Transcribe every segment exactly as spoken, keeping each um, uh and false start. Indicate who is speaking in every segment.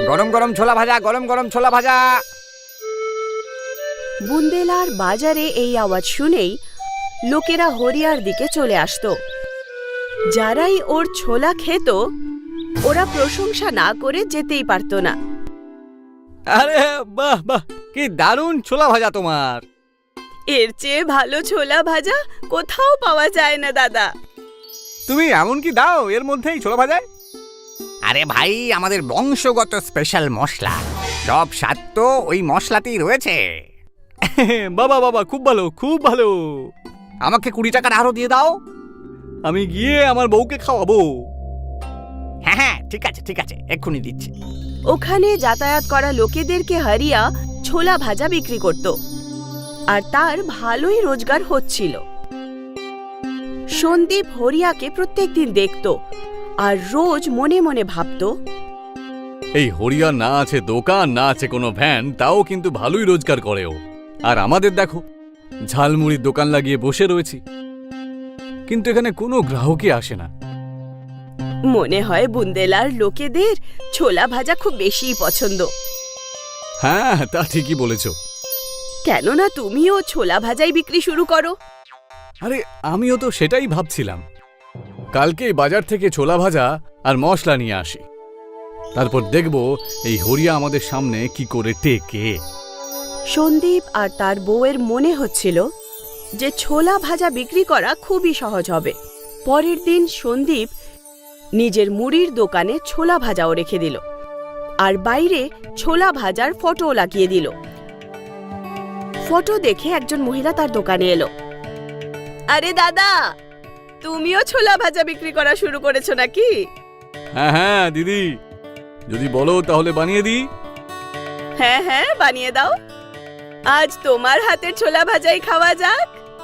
Speaker 1: গরম গরম ছোলা ভাজা, গরম গরম ছোলা ভাজা।
Speaker 2: বুন্দেলার বাজারে এই আওয়াজ শুনেই লোকেরা হরিয়ার দিকে চলে আসতো। যারাই ওর ছোলা খেত ওরা প্রশংসা না করে যেতেই পারতো না।
Speaker 1: আরে বাহ বাহ, কি দারুণ ছোলা ভাজা তোমার।
Speaker 2: এর চেয়ে ভালো ছোলা ভাজা কোথাও পাওয়া যায় না দাদা।
Speaker 1: তুমি এমন কি দাও এর মধ্যেই ছোলা ভাজায়? আরে ভাই, আমাদের বংশগত স্পেশাল মশলা, সব স্বাদ তো ওই মশলাতেই রয়েছে। বাবা বাবা, খুব ভালো খুব ভালো। আমাকে কুড়ি টাকার আরো দিয়ে দাও, আমি গিয়ে আমার বউকে খাওয়াবো। হ্যাঁ হ্যাঁ, ঠিক আছে ঠিক আছে, এক্ষুনি দিচ্ছি।
Speaker 2: ওখানে যাতায়াত করা লোকেদেরকে হরিয়া ছোলা ভাজা বিক্রি করত আর তার ভালোই রোজগার হচ্ছিল। সন্দীপ হরিয়াকে প্রত্যেকদিন দেখত আর রোজ মনে মনে ভাবত,
Speaker 3: এই হরিয়া না আছে দোকান, না আছে কোনো ভ্যান, তাও কিন্তু ভালোই রোজগার করেও। আর আমাদের দেখো, ঝালমুড়ির দোকান লাগিয়ে বসে রয়েছি, কিন্তু এখানে কোনো গ্রাহকই আসে না।
Speaker 2: মনে হয় বুন্দেলার লোকেদের ছোলা ভাজা খুব বেশিই পছন্দ।
Speaker 3: হ্যাঁ, তা ঠিকই বলেছ।
Speaker 2: কেননা তুমিও ছোলা ভাজাই বিক্রি শুরু করো।
Speaker 3: আরে আমিও তো সেটাই ভাবছিলাম, কালকেই বাজার থেকে ছোলা ভাজা আর মশলা নিয়ে আসি, তারপর দেখব এই হরিয়া আমাদের সামনে কি করে টেকে।
Speaker 2: সন্দীপ আর তার বউয়ের মনে হচ্ছিল যে ছোলা ভাজা বিক্রি করা খুবই সহজ হবে। পরের দিন সন্দীপ নিজের মুড়ির দোকানে ছোলা ভাজাও রেখে দিল আর বাইরে ছোলা ভাজার ফটো লাগিয়ে দিল। ফটো দেখে একজন মহিলা তার দোকানে এলো। আরে দাদা, তুমিও ছোলা ভাজা বিক্রি করা শুরু করেছো নাকি?
Speaker 3: হ্যাঁ হ্যাঁ দিদি, যদি বলো তাহলে বানিয়ে দিই।
Speaker 2: হ্যাঁ হ্যাঁ, বানিয়ে দাও। আজ তোমার হাতের ছোলা ভাজাই খাওয়া যাক।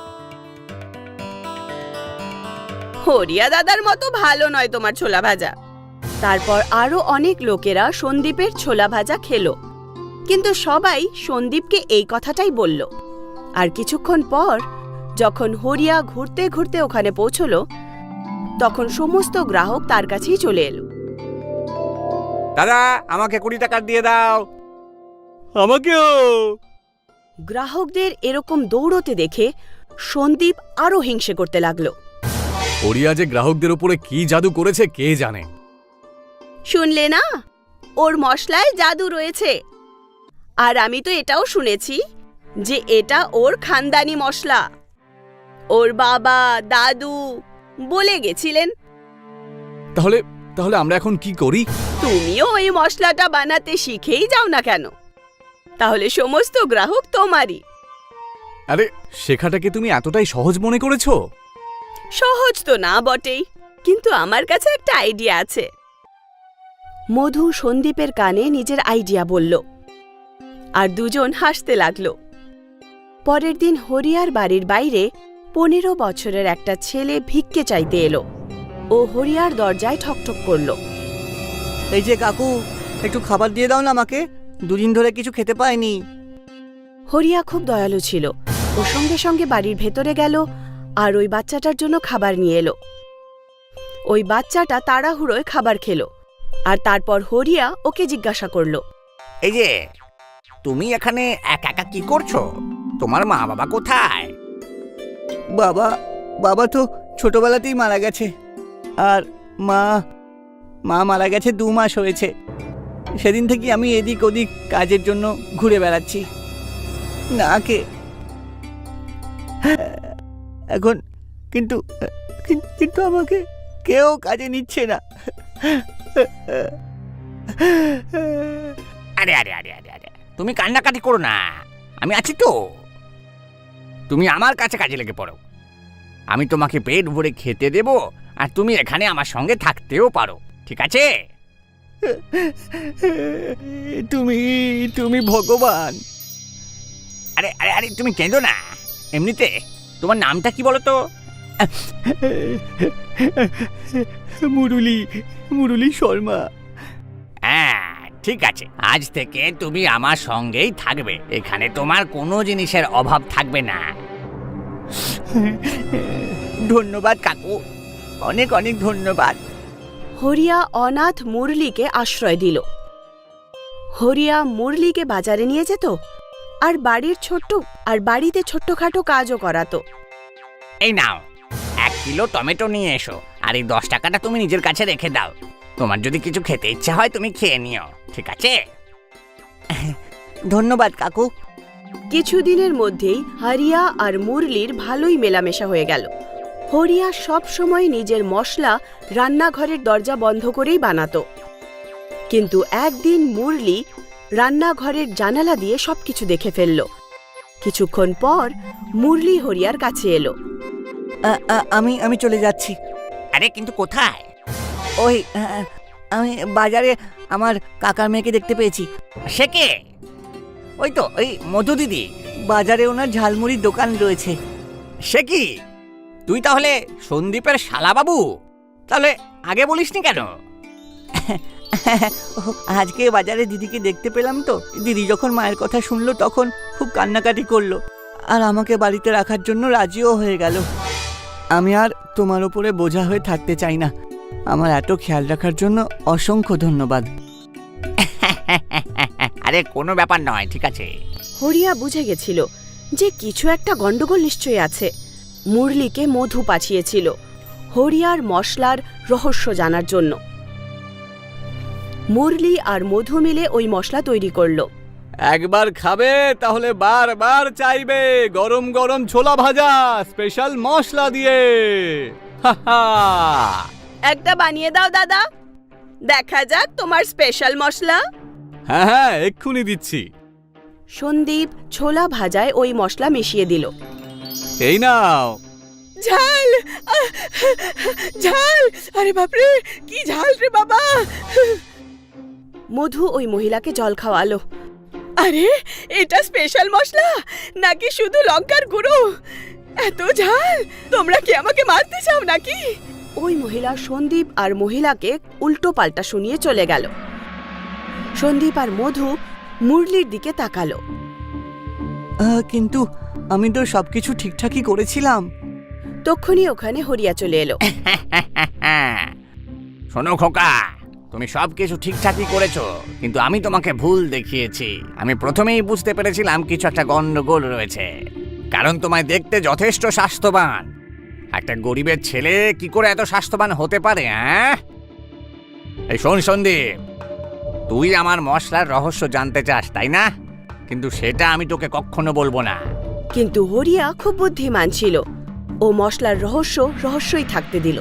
Speaker 2: হরিয়া দাদার মতো ভালো নয় তোমার ছোলা ভাজা। তারপর আরো অনেক লোকেরা সন্দীপের ছোলা ভাজা খেলো, কিন্তু সবাই সন্দীপকে এই কথাটাই বলল। আর কিছুক্ষণ পর যখন হরিয়া ঘুরতে ঘুরতে ওখানে পৌঁছলো, তখন সমস্ত গ্রাহক তার কাছেই চলে এলো।
Speaker 1: দাদা, আমাকে কুড়ি টাকার দিয়ে দাও।
Speaker 3: আমাকেও।
Speaker 2: গ্রাহকদের এরকম দৌড়তে দেখে সন্দীপ আরো হিংসে করতে লাগলো।
Speaker 3: হরিয়া যে গ্রাহকদের উপরে কি জাদু করেছে কে জানে।
Speaker 2: শুনলে না, ওর মশলায় জাদু রয়েছে। আর আমি তো এটাও শুনেছি যে এটা ওর খানদানি মশলা। ওর বাবা দাদু বলে গেছিলেন।
Speaker 3: তাহলে তাহলে আমরা এখন কি করি?
Speaker 2: তুমিও ওই মশলাটা বানাতে শিখেই যাও না কেন, তাহলে সমস্ত গ্রাহক তোমারই।
Speaker 3: আরে শেখাটাকে তুমি এতটাই সহজ মনে করেছো?
Speaker 2: সহজ তো না বটেই, কিন্তু আমার কাছে একটা আইডিয়া আছে। মধু সন্দীপের কানে নিজের আইডিয়া বলল আর দুজন হাসতে লাগলো। পরের দিন হরিয়ার বাড়ির বাইরে পনেরো বছরের একটা ছেলে ভিক্ষে চাইতে এলো। ও হরিয়ার দরজায় ঠকঠক করল।
Speaker 4: এই যে কাকু, একটু খাবার দিয়ে দাও না আমাকে, দুদিন ধরে কিছু খেতে পাইনি।
Speaker 2: হরিয়া খুব দয়ালু ছিল। ও সঙ্গে সঙ্গে বাড়ির ভেতরে গেল আর ওই বাচ্চাটার জন্য খাবার নিয়ে এলো। ওই বাচ্চাটা তাড়াহুড়োয় খাবার খেলো আর তারপর হরিয়া ওকে জিজ্ঞাসা করল,
Speaker 1: এই যে তুমি এখানে একা একা কি করছো? তোমার মা বাবা কোথায়?
Speaker 4: বাবা বাবা তো ছোটবেলাতেই মারা গেছে, আর মা মা মারা গেছে দু মাস হয়েছে। সেদিন থেকে আমি এদিক ওদিক কাজের জন্য ঘুরে বেড়াচ্ছি না কে এখন, কিন্তু কিন্তু আমাকে কেউ কাজে নিচ্ছে না।
Speaker 1: আরে আরে আরে আরে আরে তুমি কান্নাকাটি করো না, আমি আছি তো। তুমি আমার কাছে কাজে লেগে পড়ো, আমি তোমাকে পেট ভরে খেতে দেব আর তুমি এখানে আমার সঙ্গে থাকতেও পারো, ঠিক আছে?
Speaker 4: তুমি তুমি ভগবান।
Speaker 1: আরে আরে আরে তুমি কেঁদো না। এমনিতে তোমার নামটা কি বলো তো?
Speaker 4: মুরুলি মুরুলি শর্মা।
Speaker 1: হ্যাঁ ঠিক আছে, আজ থেকে তুমি আমার সঙ্গেই থাকবে, এখানে তোমার কোনো জিনিসের অভাব থাকবে না।
Speaker 4: ধন্যবাদ কাকু, অনেক অনেক ধন্যবাদ।
Speaker 2: হরিয়া অনাথ মুরলিকে আশ্রয় দিল। হরিয়া মুরলিকে বাজারে নিয়ে যেত আর বাড়ির ছোট্ট আর বাড়িতে ছোট্টখাটো কাজও করাতো।
Speaker 1: এই নাও, এক কিলো টমেটো নিয়ে এসো, আর এই দশ টাকাটা তুমি নিজের কাছে রেখে দাও। তোমার যদি কিছু খেতে ইচ্ছা হয় তুমি খেয়ে নিও, ঠিক আছে?
Speaker 4: ধন্যবাদ কাকু।
Speaker 2: কিছুদিনের মধ্যেই হরিয়া আর মুরলির ভালোই মেলামেশা হয়ে গেল। হরিয়া সব সময় নিজের মশলা রান্নাঘরের দরজা বন্ধ করেই বানাতো, কিন্তু একদিন মুরলি রান্নাঘরের জানালা দিয়ে সবকিছু দেখে ফেলল। কিছুক্ষণ পর মুরলি হরিয়ার কাছে এলো।
Speaker 4: আ- আ- আমি আমি চলে যাচ্ছি।
Speaker 1: আরে কিন্তু কোথায়?
Speaker 4: ওই আ, আমি বাজারে আমার কাকার মেয়েকে দেখতে পেয়েছি।
Speaker 1: সে কে?
Speaker 4: ওই তো ওই মধু দিদি, বাজারে ওনার ঝালমুড়ির দোকান রয়েছে।
Speaker 1: সে কি? তুই তাহলে সন্দীপের শালাবাবু? তাহলে আগে বলিসনি কেন?
Speaker 4: ও, আজকে বাজারে দিদিকে দেখতে পেলাম তো। দিদি যখন মায়ের কথা শুনলো তখন খুব কান্নাকাটি করলো, আর আমাকে বাড়িতে রাখার জন্য রাজিও হয়ে গেল। আমি আর তোমার উপরে বোঝা হয়ে থাকতে চাই না। আমার এত খেয়াল রাখার জন্য অসংখ্য ধন্যবাদ।
Speaker 1: আরে কোনো ব্যাপার নয়, ঠিক আছে।
Speaker 2: হরিয়া বুঝে গেছিল যে কিছু একটা গন্ডগোল নিশ্চয়ই আছে। মুরলিকে মধু পাঠিয়েছিল হরিয়ার মশলার রহস্য জানার জন্য। মুরলি আর মধু মিলে ওই মশলা তৈরি করলো।
Speaker 3: একবার খাবে তাহলে বারবার চাইবে। গরম গরম ছোলা ভাজা স্পেশাল মশলা দিয়ে। হা হা।
Speaker 2: একটা বানিয়ে দাও দাদা, দেখা যাক তোমার স্পেশাল মশলা।
Speaker 3: হ্যাঁ হ্যাঁ, এক্ষুনি দিচ্ছি।
Speaker 2: সন্দীপ ছোলা ভাজায় ওই মশলা মিশিয়ে দিল।
Speaker 3: এই নাও।
Speaker 2: ঝাল, আহ, ঝাল, আরে বাপরে কি ঝাল রে বাবা। মধু ওই মহিলাকে জল খাওয়ালো। আরে এটা স্পেশাল মশলা নাকি শুধু লঙ্কার গুঁড়ো? এত ঝাল, তোমরা কি আমাকে মারতে চাও নাকি? ওই মহিলা সন্দীপ আর মহিলাকে উল্টো পাল্টা শুনিয়ে চলে গেল। সন্দীপ আর মধু মুরলির দিকে তাকালো।
Speaker 4: আ, কিন্তু আমি তো সবকিছু ঠিকঠাকই করেছিলাম।
Speaker 2: তক্ষুনি ওখানে হরিয়া চলে এলো।
Speaker 1: শোনো খোকা, তুমি সব কিছু ঠিকঠাকই করেছো, কিন্তু আমি তোমাকে ভুল দেখিয়েছি। আমি প্রথমেই বুঝতে পেরেছিলাম কিছু একটা গন্ডগোল রয়েছে, কারণ তোমায় দেখতে যথেষ্ট স্বাস্থ্যবান। একটা গরিবের ছেলে কি করে এত স্বাস্থ্যবান হতে পারে? হ্যাঁ, এই শোন সন্দীপ, তুই আমার মশলার রহস্য জানতে চাস তাই না? কিন্তু সেটা আমি তোকে কখনো বলবো না।
Speaker 2: কিন্তু হরিয়া খুব বুদ্ধিমান ছিল, ও মশলার রহস্য রহস্যই থাকতে দিল।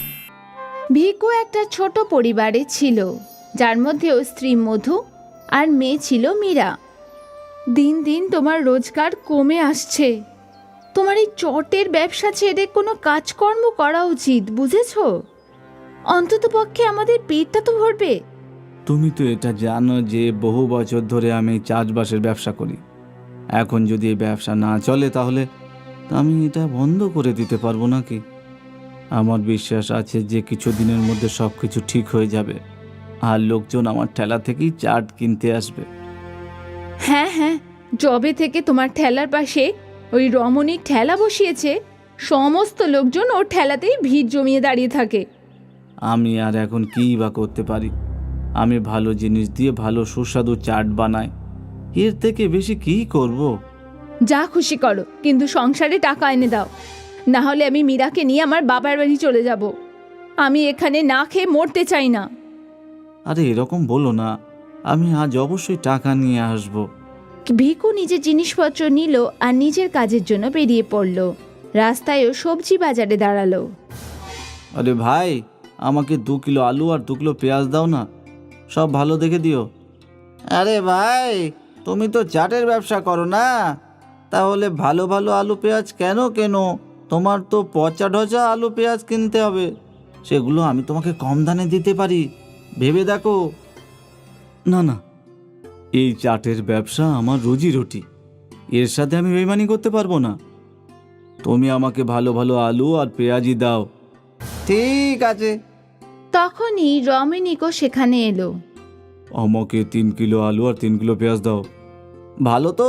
Speaker 5: ভিকু একটা ছোট পরিবারে ছিল, যার মধ্যে ওর স্ত্রী মধু আর মেয়ে ছিল মীরা। দিন দিন তোমার রোজগার কমে আসছে। তোমার এই চটের ব্যবসা ছেড়ে কোনো কাজকর্ম করা উচিত, বুঝেছো? অন্ততপক্ষে আমাদের পেটটা তো ভরবে।
Speaker 6: তুমি তো এটা জানো যে বহু বছর ধরে আমি চাষবাসের ব্যবসা করি। এখন যদি এই ব্যবসা না চলে তাহলে আমি এটা বন্ধ করে দিতে পারবো নাকি? আমার বিশ্বাস আছে যে কিছু দিনের মধ্যে সব কিছু ঠিক হয়ে যাবে, আর লোকজন আমার ঠেলা থেকেই চাট কিনতে আসবে।
Speaker 5: হ্যাঁ হ্যাঁ, জবে থেকে তোমার ঠেলার পাশে ওই রমণীর ঠেলা বসিয়েছে, সমস্ত লোকজন ওর ঠেলাতেই ভিড় জমিয়ে দাঁড়িয়ে থাকে।
Speaker 6: আমি আর এখন কী বা করতে পারি? আমি ভালো জিনিস দিয়ে ভালো সুস্বাদু চাট বানাই, এর থেকে বেশি কী করব?
Speaker 5: যা খুশি করো, কিন্তু সংসারে টাকা এনে দাও, না হলে আমি মীরাকে নিয়ে আমার বাবার বাড়ি চলে যাব। আমি এখানে না খেয়ে মরতে চাই না।
Speaker 6: আরে এরকম বলো না, আমি আজ অবশ্যই টাকা নিয়ে আসবো।
Speaker 5: ভিকু নিজের জিনিসপত্র নিল আর নিজের কাজের জন্য বেরিয়ে পড়ল। রাস্তায়ও সবজি বাজারে দাঁড়ালো।
Speaker 6: আরে ভাই, আমাকে দু কিলো আলু আর দু কিলো পেঁয়াজ দাও না, সব ভালো দেখে দিও। আরে ভাই, তুমি তো চাটের ব্যবসা করো না, তাহলে ভালো ভালো আলু পেঁয়াজ কেন কেনো? তোমার তো পচা ঢচা আলু পেঁয়াজ কিনতে হবে, সেগুলো আমি তোমাকে কম দামে দিতে পারি, ভেবে দেখো। না না, এই চাটের ব্যবসা আমার রুজি রুটি, এর সাথে আমি বেইমানি করতে পারবো না। তুমি আমাকে ভালো ভালো আলু আর পেঁয়াজই দাও। ঠিক আছে।
Speaker 5: তখনই রমণীকও সেখানে এলো।
Speaker 6: আমাকে তিন কিলো আলু আর তিন কিলো পেঁয়াজ দাও। ভালো তো?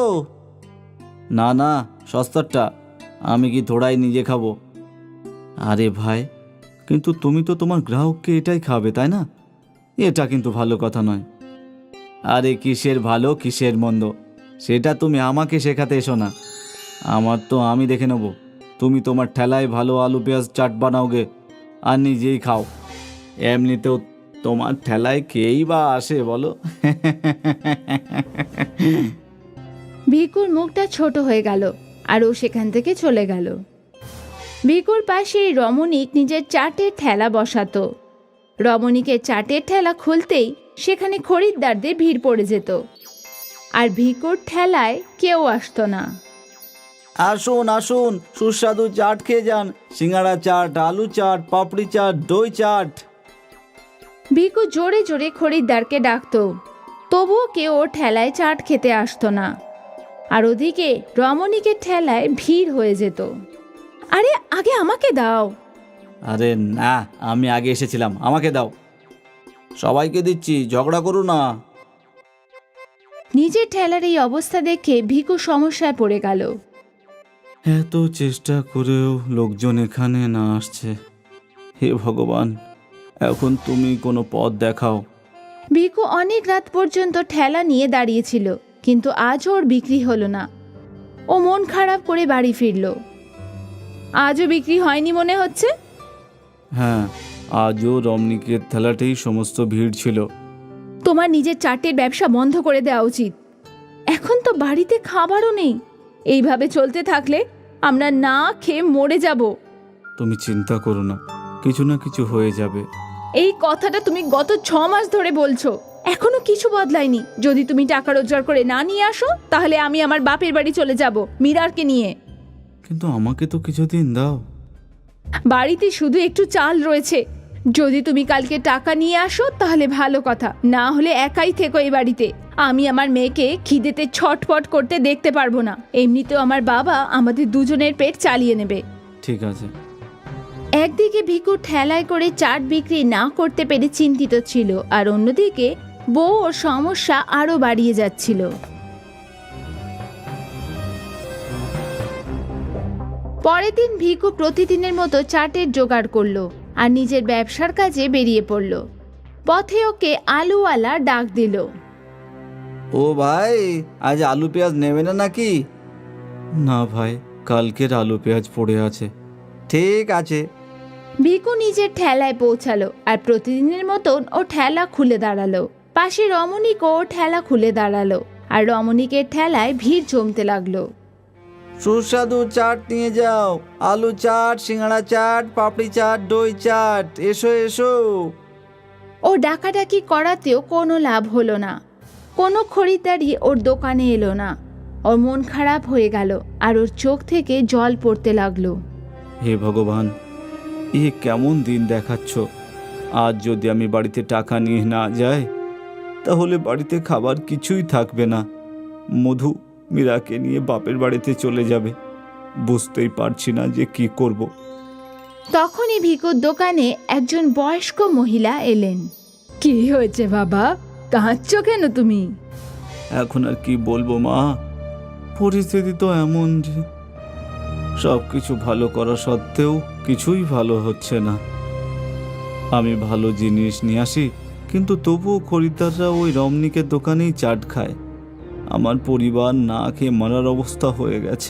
Speaker 6: না না, সস্তারটা, আমি কি থোড়াই নিজে খাবো? আরে ভাই, কিন্তু তুমি তো তোমার গ্রাহককে এটাই খাবে তাই না? এটা কিন্তু ভালো কথা নয়। আরে কিসের ভালো কিসের মন্দ সেটা তুমি আমাকে শেখাতে এসো না। আমার তো আমি দেখে নেব। তুমি তোমার ঠেলায় ভালো আলু পেঁয়াজ চাট বানাওগে আর নিজেই খাও। এমনিতেও তোমার ঠেলায় কেই বা আসে বলো?
Speaker 5: ভিকুর মুখটা ছোট হয়ে গেল আর ও সেখান থেকে চলে গেল। ভিকুর পাশে রমণিক নিজের চাটের ঠেলা বসাতো। রমণিকের চাটের ঠেলা খুলতেই সেখানে খরিদ্দারদের ভিড় পড়ে যেত, আর ভিকুর ঠেলায় কেউ আসতো না।
Speaker 6: আসুন আসুন, সুস্বাদু চাট খেয়ে যান। সিঙ্গাড়া চাট, আলু চাট, পাপড়ি চাট, দই চাট।
Speaker 5: ভিকু জোরে জোরে খরিদ্দারকে ডাকতো, তবুও কেউ ওর ঠেলায় চাট খেতে আসতো না। আর ওদিকে রমণিকের ঠেলায় ভিড় হয়ে যেত। আরে আগে আমাকে দাও।
Speaker 6: আরে না, আমি আগে এসেছিলাম, আমাকে দাও। সবাইকে দিচ্ছি, ঝগড়া করো না।
Speaker 5: নিজের ঠেলার এই অবস্থা দেখে ভিকু সমস্যায় পড়ে গেল।
Speaker 6: এত চেষ্টা করেও লোকজন এখানে না আসছে। হে ভগবান, এখন তুমি কোনো পথ দেখাও।
Speaker 5: ভিকু অনেক রাত পর্যন্ত ঠেলা নিয়ে দাঁড়িয়েছিল, কিন্তু আজও ওর বিক্রি হলো না। ও মন খারাপ করে বাড়ি ফিরল। আজও বিক্রি হয়নি মনে হচ্ছে।
Speaker 6: হ্যাঁ, আজও রমণিকের থালাতেই সমস্ত ভিড় ছিল।
Speaker 5: তোমার নিজের চাটের ব্যবসা বন্ধ করে দেওয়া উচিত। এখন তো বাড়িতে খাবারও নেই। এইভাবে চলতে থাকলে আমরা না খেয়ে মরে যাব।
Speaker 6: তুমি চিন্তা করো না, কিছু না কিছু হয়ে যাবে।
Speaker 5: এই কথাটা তুমি গত ছ মাস ধরে বলছো, এখনো কিছু বদলায়নি। যদি তুমি টাকা রোজগার করে না নিয়ে আসো, তাহলে আমি আমার বাপের বাড়ি চলে যাব মীরারকে নিয়ে।
Speaker 6: কিন্তু আমাকে তো কিছুদিন দাও।
Speaker 5: বাড়িতে শুধু একটু চাল রয়েছে। যদি তুমি কালকে টাকা নিয়ে আসো তাহলে ভালো কথা, না হলে একাই থেকো এই বাড়িতে। আমি আমার মেয়েকে খিদেতে ছটফট করতে দেখতে পারবো না। এমনিতেও আমার বাবা আমাদের দুজনের পেট চালিয়ে নেবে।
Speaker 6: ঠিক আছে।
Speaker 5: একদিকে ভিকু ঠেলায় করে চাট বিক্রি না করতে পেরে চিন্তিত ছিল, আর অন্যদিকে বউ ওর সমস্যা আরো বাড়িয়ে যাচ্ছিল। পরের দিন ভিকু প্রতিদিনের মতো চাটের জোগাড় করলো আর নিজের ব্যবসার কাজে বেরিয়ে পড়ল। পথে ওকে আলুওয়ালা ডাক দিল।
Speaker 6: ও ভাই, আজ আলু পেঁয়াজ নেবে না নাকি? না ভাই, কালকের আলু পেঁয়াজ পড়ে আছে। ঠিক আছে।
Speaker 5: ভিকু নিজের ঠেলায় পৌঁছালো আর প্রতিদিনের মতন ও ঠেলা খুলে দাঁড়ালো। পাশে রমণিকও ও ঠেলা খুলে দাঁড়ালো, আর রমণিকের ঠেলায় ভিড় জমতে লাগলো।
Speaker 6: সুস্বাদু চাট নিয়ে যাও, আলু চাট, সিঙ্গাড়া চাট, পাপড়ি চাট, দই চাট, এসো এসো।
Speaker 5: ও ডাকাডাকি করাতেও কোনো লাভ হলো না। কোনো খরিদ্দারি ওর দোকানে এলো না। ওর মন খারাপ হয়ে গেল আর ওর চোখ থেকে জল পড়তে লাগলো।
Speaker 6: হে ভগবান, এ কেমন দিন দেখাচ্ছ। আজ যদি আমি বাড়িতে টাকা নিয়ে না যাই, তাহলে বাড়িতে খাবার কিছুই থাকবে না। মধু মীরাকে নিয়ে বাপের বাড়িতে চলে যাবে। বুঝতেই পারছি না যে কি করব।
Speaker 5: তখনই ভিকুর দোকানে একজন বয়স্ক মহিলা এলেন। কি হয়েছে বাবা, কাঁদছো কেন তুমি?
Speaker 6: এখন আর কি বলবো মা, পরিস্থিতি তো এমন যে সব কিছু ভালো করা সত্ত্বেও কিছুই ভালো হচ্ছে না। আমি ভালো জিনিস নিয়ে আসি, কিন্তু তবুও খরিদ্দাররা ওই রমণিকের দোকানেই চাট খায়। আমার পরিবার না খেয়ে মরার অবস্থা হয়ে গেছে।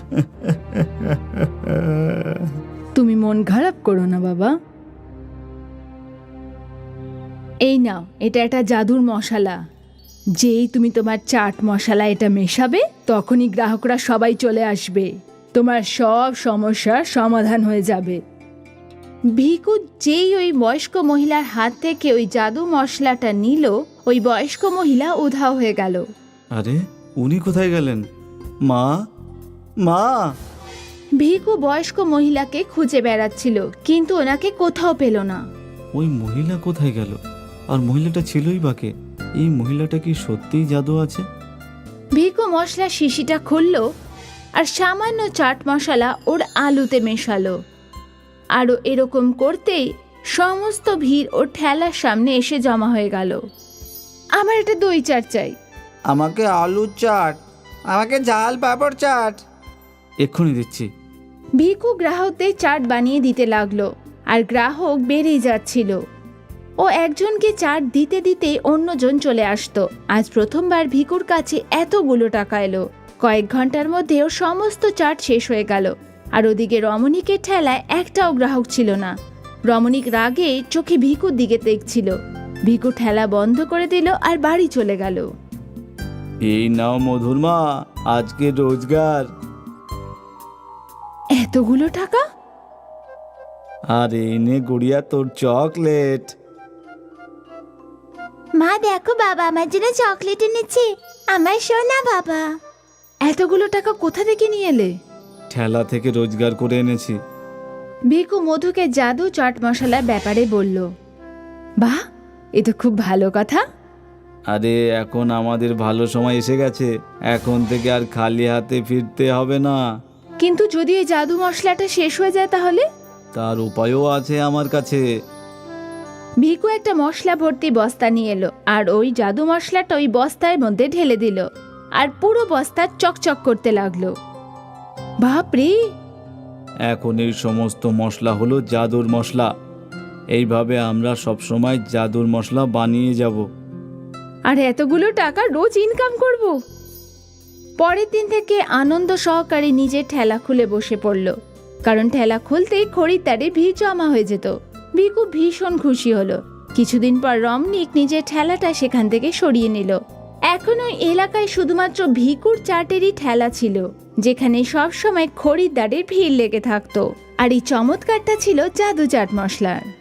Speaker 5: তুমি মন খারাপ করো না বাবা। এই নাও, এটা একটা জাদুর মশলা। যেই তুমি তোমার চাট মশলা এটা মেশাবে, তখনই গ্রাহকরা সবাই চলে আসবে। তোমার সব সমস্যার সমাধান হয়ে যাবে। ভিকু যেই ওই বয়স্ক মহিলার হাত থেকে ওই জাদু মশলাটা নিল, ওই বয়স্ক মহিলা উধাও হয়ে গেল।
Speaker 6: আরে উনি কোথায় গেলেন? মা, মা।
Speaker 5: ভিকু বয়স্ক মহিলাকে খুঁজে বেড়াচ্ছিল, কিন্তু ওনাকে কোথাও পেল না।
Speaker 6: ওই মহিলা কোথায় গেল? আর মহিলাটা ছিলই বা কে? এই মহিলাটা কি সত্যিই জাদু আছে?
Speaker 5: ভিকু মশলা শিশিটা খুলল আর সামান্য চাট মশলা ওর আলুতে মেশালো। আরও এরকম করতেই সমস্ত ভিড় ওর ঠেলার সামনে এসে জমা হয়ে গেল। আমার একটা দই চাট চাই।
Speaker 6: আমাকে আলু চাট, আমাকে ঝাল পাঁপড় চাট। এক্ষুনি দিচ্ছি।
Speaker 5: ভিকু গ্রাহকদের চাট বানিয়ে দিতে লাগলো, আর গ্রাহক বেড়েই যাচ্ছিল। ও একজনকে চাট দিতে দিতে অন্যজন চলে আসতো। আজ প্রথমবার ভিকুর কাছে এতগুলো টাকা এলো। কয়েক ঘন্টার মধ্যে ওর সমস্ত চাট শেষ হয়ে গেল। আর ওদিকে রমণীকের ঠেলায় একটাও গ্রাহক ছিল না। রমণীক রাগে চোখে ভিকুর দিকে দেখছিল। ভিকু ঠেলা বন্ধ করে দিল আর বাড়ি চলে গেল।
Speaker 6: এই নাও মধুর মা, আজকে রোজগার।
Speaker 5: এতগুলো টাকা?
Speaker 6: আর এই নে গুড়িয়া তোর চকলেট।
Speaker 5: মা দেখো, বাবা আমার জন্য চকলেট এনেছে। আমার সোনা বাবা। এতগুলো টাকা কোথা থেকে নিয়ে এলে?
Speaker 6: ঠেলা থেকে রোজগার করে এনেছি।
Speaker 5: ভিকু মধুকে জাদু চাট মশলার ব্যাপারে বলল। বাহ, এ তো খুব ভালো কথা।
Speaker 6: আরে এখন আমাদের ভালো সময় এসে গেছে, এখন থেকে আর খালি হাতে ফিরতে হবে না।
Speaker 5: কিন্তু যদি এই জাদু মশলাটা শেষ হয়ে যায় তাহলে?
Speaker 6: তার উপায়ও আছে আমার কাছে।
Speaker 5: ভিকু একটা মশলা ভর্তি বস্তা নিয়ে এলো আর ওই জাদু মশলাটা ওই বস্তার মধ্যে ঢেলে দিল আর পুরো বস্তা চকচক করতে লাগলো। বাপরে!
Speaker 6: এখন এই সমস্ত মশলা হলো জাদুর মশলা। এইভাবে আমরা সবসময় জাদুর মশলা বানিয়ে যাব।
Speaker 5: আর এতগুলো টাকা রোজ ইনকাম করব। পরের দিন থেকে আনন্দ সহকারে নিজের ঠেলা খুলে বসে পড়ল, কারণ ঠেলা খুলতেই খরিদ্দারের ভিড় জমা হয়ে যেত। ভিকু ভীষণ খুশি হলো। কিছুদিন পর রমণীক নিজের ঠেলাটা সেখান থেকে সরিয়ে নিল। এখন ওই এলাকায় শুধুমাত্র ভিকুর চাটেরই ঠেলা ছিল, যেখানে সবসময় খরিদ্দারের ভিড় লেগে থাকতো। আর এই চমৎকারটা ছিল জাদু চাট মশলার।